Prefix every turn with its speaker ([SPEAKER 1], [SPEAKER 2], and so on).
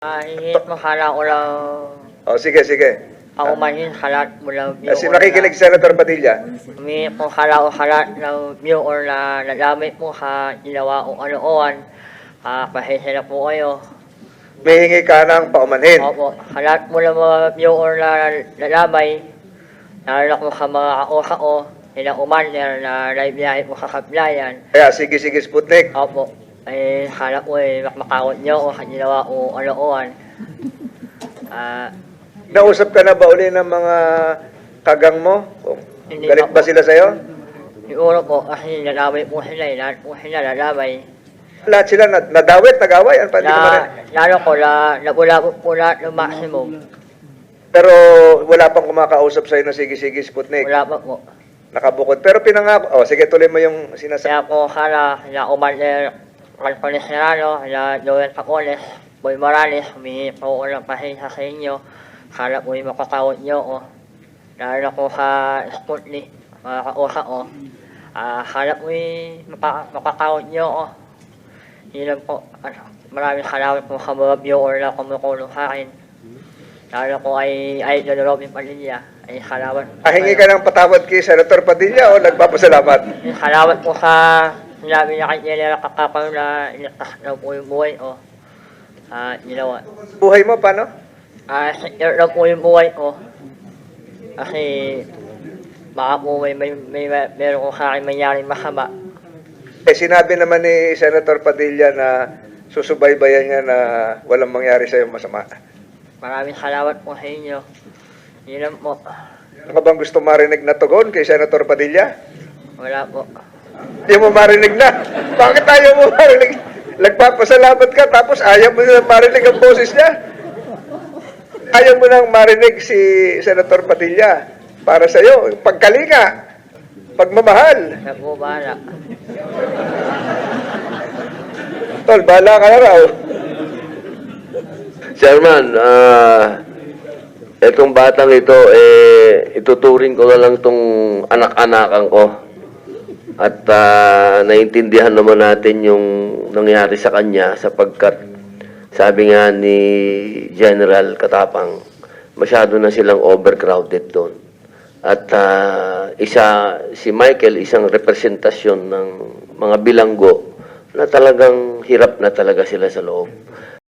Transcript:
[SPEAKER 1] Hihit mo hala ulaw
[SPEAKER 2] O, sige, sige.
[SPEAKER 1] paumanhin halat mula
[SPEAKER 2] Kasi nakikinig Senator Padilla.
[SPEAKER 1] Hihit mo hala o halat na view or na nagamit mo ha ginawa o ano-oan. Pahisira po kayo.
[SPEAKER 2] May hingi ka ng paumanhin.
[SPEAKER 1] Opo, halat mo lang mga view or na nalamay. Nalak mo ka mga kao-kao. Ilang umander na naibiyahe mo kakablayan.
[SPEAKER 2] Kaya, sige, sige, Sputnik.
[SPEAKER 1] Opo, ay hanap mo makmakawat nyo o ginawa o ano-oan.
[SPEAKER 2] Nausap ka na ba uli ng mga kagang mo? O,
[SPEAKER 1] Hindi
[SPEAKER 2] galit
[SPEAKER 1] pa
[SPEAKER 2] ba
[SPEAKER 1] po.
[SPEAKER 2] sila sa'yo?
[SPEAKER 1] Siguro po kasi nalamay po sila, lahat po sila nalamay.
[SPEAKER 2] Lahat sila nadawit, nag-away. Ano pa, hindi ko marin.
[SPEAKER 1] Lalo ko, nabulabot po lahat ng maximum.
[SPEAKER 2] Pero wala pang kumakausap sa'yo na sige, sige, Sputnik.
[SPEAKER 1] Wala pa po.
[SPEAKER 2] Nakabukod. Pero pinangako. O, sige, tuloy mo yung sinasabi.
[SPEAKER 1] Kaya po kala, na Umander Calpones Serrano, na Joel Pacones, Boy Morales, humingi po ko ng pasensya sa inyo. Kala po yung makakawat nyo o. Lalo ko sa Sputnik, mga kausa o. Kala po yung makakawat nyo o. Yun lang po. Maraming salamat po sa mga viewer na kumukulong sa akin. Lalo ko ay Idol Robin Padilla. Ay salamat.
[SPEAKER 2] Hingi ka ng patawad kay Senator Padilla o nagpapasalamat?
[SPEAKER 1] Salamat po sa sinabi niya kay General Kakapal na iligtas daw po yung buhay o. Ginawa.
[SPEAKER 2] Buhay mo, paano?
[SPEAKER 1] Secure daw po yung buhay ko. Kasi baka po meron ko sa akin mangyaring masama.
[SPEAKER 2] Sinabi naman ni Senator Padilla na susubaybayan niya na walang mangyari sa'yo masama.
[SPEAKER 1] Maraming salamat po sa inyo. Yun lang po.
[SPEAKER 2] Ano ka bang gusto marinig na tugon kay Senator Padilla?
[SPEAKER 1] Wala po.
[SPEAKER 2] Hindi mo marinig na. Bakit ayaw mo marinig? Nagpapasalamat ka tapos ayaw mo na marinig ang boses niya. Ayaw mo nang marinig si Senator Padilla para sa'yo. Pagkalinga, pagmamahal.
[SPEAKER 1] Wala po bahala.
[SPEAKER 2] Tol, bahala ka na raw.
[SPEAKER 3] Chairman, etong batang ito, ituturing ko na lang tong anak-anakan ko. At naiintindihan naman natin yung nangyari sa kanya sapagkat sabi nga ni General Katapang, masyado na silang overcrowded doon. At si Michael, isang representasyon ng mga bilanggo na talagang hirap na talaga sila sa loob.